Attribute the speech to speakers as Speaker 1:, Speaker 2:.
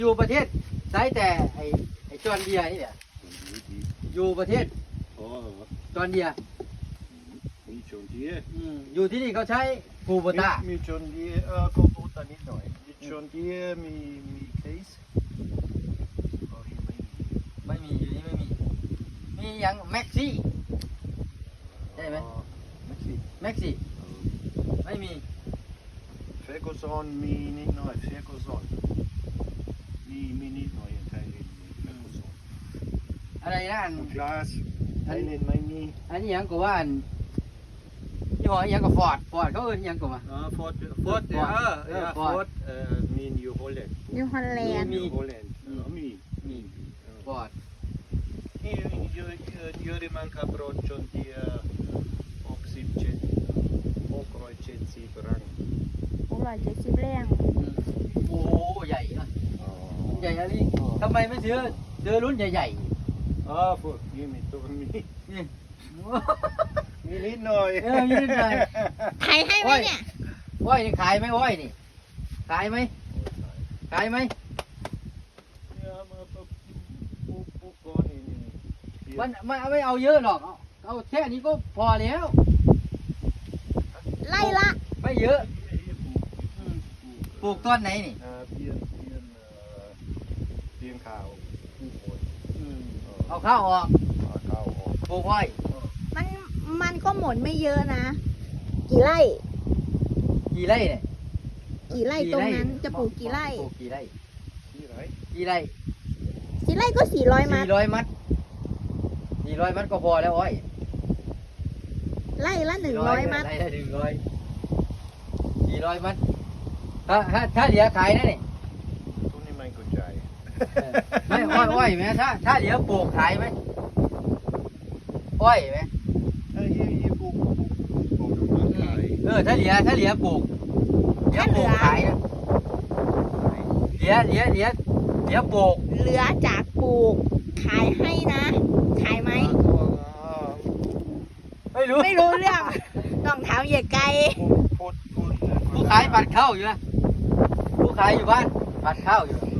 Speaker 1: อยู่ประเทศใช้แต่ไอ้จอร์เดียนี่แหละอยู่ประเทศจอร์เดีย
Speaker 2: มีจอนเดีย
Speaker 1: อยู่ที่นี่เขาใช้คูโบต้า
Speaker 2: มีจอนเดียคูโบต้านิดหน่อยมีจอนเดียมีเคส
Speaker 1: ไม่มีอยู่นี่ไม่มีมีอย่างแม็กซี่ใช่ไหมแม็กซี่ไม่มี
Speaker 2: เฟโกซอนมีนิดหน่อยเฟโกซอนมีนิดหน่อยไทยเล่นเฟโกซอน
Speaker 1: อะไรนะอัน
Speaker 2: คลาสไทยเล่นไม่มี
Speaker 1: อันนี้ยังก็ว่าอันยี่ห้อยังก็ฟอร์ดเขาเอิ้นยังก็ว่า
Speaker 2: ฟอร์ดฟอร์ดมีอยู่ฮอลแลนด์
Speaker 3: นิวฮอลแลนด์
Speaker 1: มี
Speaker 2: ฮอลแลนด์มี
Speaker 1: ฟอร์ด
Speaker 2: Juriman Cabrot John Deere 670 รัง
Speaker 3: 670แรง
Speaker 1: โอ้ใหญ่นะใหญ่อะไรทำไมไม่ซื้อรุ่นใหญ่
Speaker 2: พวกนี้มีตัวมี
Speaker 1: ๆนี่
Speaker 2: มีนิดหน่อย
Speaker 1: มีนิดหน่อย
Speaker 3: ขายให้ไหมเนี่ย
Speaker 1: อ้อยนี่ขายไหมอ้อยนี่ขายไหมขายไหม
Speaker 2: เนี่ยมาปุ๊บก่อนนี่
Speaker 1: มันไม่เอาเยอะหรอกเอาแค่นี้ก็พอแล้ว
Speaker 3: ไล่ละ
Speaker 1: ไม่เยอะปลูกต้นไหนนี่
Speaker 2: เพียงข่าว
Speaker 1: เอาข้าวออก
Speaker 2: ข้าวออก
Speaker 1: ปลูกอ้อย
Speaker 3: มันก็หมดไม่เยอะนะ กี่ไร่
Speaker 1: กี่ไร่เนี่ย
Speaker 3: กี่ไร่ตรงนั้นจะปลูกกี่ไร่
Speaker 1: ปลูกกี่ไร่
Speaker 2: ที่ไหน
Speaker 1: กี่ไร่
Speaker 3: กี่ไร่ก็400 มัด
Speaker 1: 400 มัด400 มัดก็พอแล้วอ้อย
Speaker 3: ไร่ละ100 มัด
Speaker 1: ไร่ละ400 มัดถ้าเหลือขายนะนี่
Speaker 2: ตัวนี้ไม่เข้าใจ
Speaker 1: ไม่อ้อยไหมถ้าเหลือปลูกขายไหมอ้อยไหม
Speaker 2: ยี่ปุ๊บมาขาย
Speaker 1: ถ้าเหลือปลูกขายนะเหลือปลูก
Speaker 3: เหลือจากปลูกขายให้นะ ขายไหม
Speaker 1: ไม่รู้
Speaker 3: ไม่รู้เรื่อง ต้องถามเหยียไกล
Speaker 2: พูด
Speaker 1: ผู้ขายปัดข้าวอยู่นะผู้ขายอยู่บ้านปัดข้าวอยู่